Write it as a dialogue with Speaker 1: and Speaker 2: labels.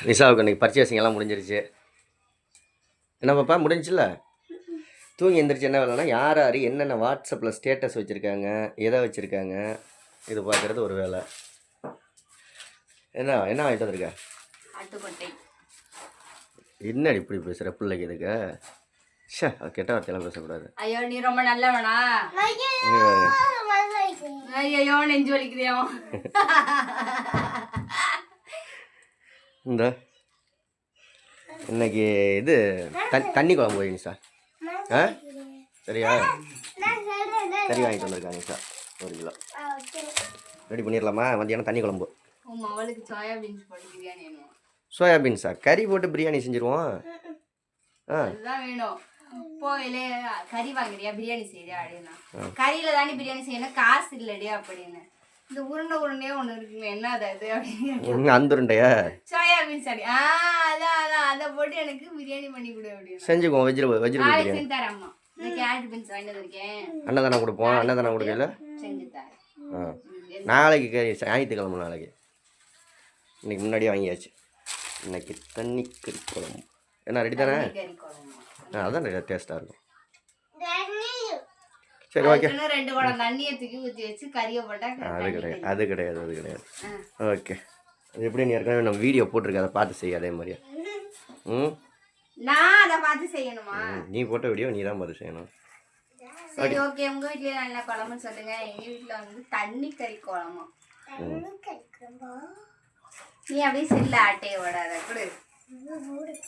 Speaker 1: நிஷாவுக்கு இன்றைக்கி பர்ச்சேசிங் எல்லாம் முடிஞ்சிருச்சு. என்ன பாப்பா முடிஞ்சில்ல? தூங்கி எந்திரிச்சு என்ன வேலைன்னா யார் யார் என்னென்ன வாட்ஸ்அப்பில் ஸ்டேட்டஸ் வச்சுருக்காங்க, எதை வச்சுருக்காங்க இது பார்க்குறது ஒரு வேலை. என்ன என்ன வாங்கிட்டு வந்திருக்க? என்னடி இப்படி பேசுகிற பிள்ளைக்கு இதுக்கு? ஷே கெட்ட வார்த்தையெல்லாம் பேசக்கூடாது.
Speaker 2: ஐயோ நீ ரொம்ப நல்லவனா? ஐயோ நெஞ்சு வலிக்குதியா?
Speaker 1: இந்த இன்னைக்கு இது தண்ணி குழம்பு வை நிஷா. சரியா? கறி வாங்கிட்டு வந்திருக்காங்க நிஷா 1 கிலோ. ரெடி பண்ணிடலாமா? மத்தியானம் தண்ணி குழம்பு.
Speaker 2: அவளுக்கு சோயாபீன்ஸ் போட்டு பிரியாணி வேணும்.
Speaker 1: சோயாபீன்ஸா? கறி போட்டு பிரியாணி செஞ்சுருவோம்.
Speaker 2: அதுதான் வேணும். போயிலே கறி வாங்குறியா பிரியாணி செய்யறியா அப்படின்னா, கறியில தானே பிரியாணி செய்யணும், காசு இல்லடி அப்படின்னு. இந்த உருண்டையே ஒண்ணு இருக்குங்க, என்ன அது அப்படின்னு.
Speaker 1: அந்த உருண்டையா?
Speaker 2: சோயாபீன்ஸ் அடி. அதான் அதை போட்டு எனக்கு பிரியாணி பண்ணி கொடு அப்படின்னு
Speaker 1: செஞ்சுக்குவோம். வெஜிடபிள்
Speaker 2: செஞ்சு தரேன் அம்மா. இந்த கேரட் பீன்ஸ் வாங்கிட்டு வந்திருக்கேன்.
Speaker 1: அன்னதானம் கொடுப்போம். அன்னதானம் கொடுக்கல
Speaker 2: செஞ்சு தரேன்.
Speaker 1: நாளைக்கு ஞாயிற்றுக்கிழமை. நாளைக்கு இன்னைக்கு முன்னாடியே வாங்கியாச்சு. இன்னைக்கு தண்ணி கறி குழம்பு. என்ன ரெடி தானே? அதான் டேஸ்ட்டாக இருக்கும். சரி ஓகே.
Speaker 2: 2 குடம் தண்ணியை தூக்கி ஊற்றி வச்சு கறியை போட்டா
Speaker 1: அது கிடையாது. ஓகே. அது எப்படி நீ ஏற்கனவே நம்ம வீடியோ போட்டிருக்க, அதை பார்த்து செய்ய அதே மாதிரியா?
Speaker 2: நான் அதை பார்த்து செய்யணுமா?
Speaker 1: நீ போட்ட வீடியோ நீ தான் பார்த்து செய்யணும்.
Speaker 2: சரி ஓகே. உங்க வீட்லயே நல்ல குழம்புன்னு சொல்லுங்க. எங்க வீட்டுல வந்து தண்ணி கறி குழம்பு. நீ அப்படியே செல்ல ஆட்டையை விடாத கொடு.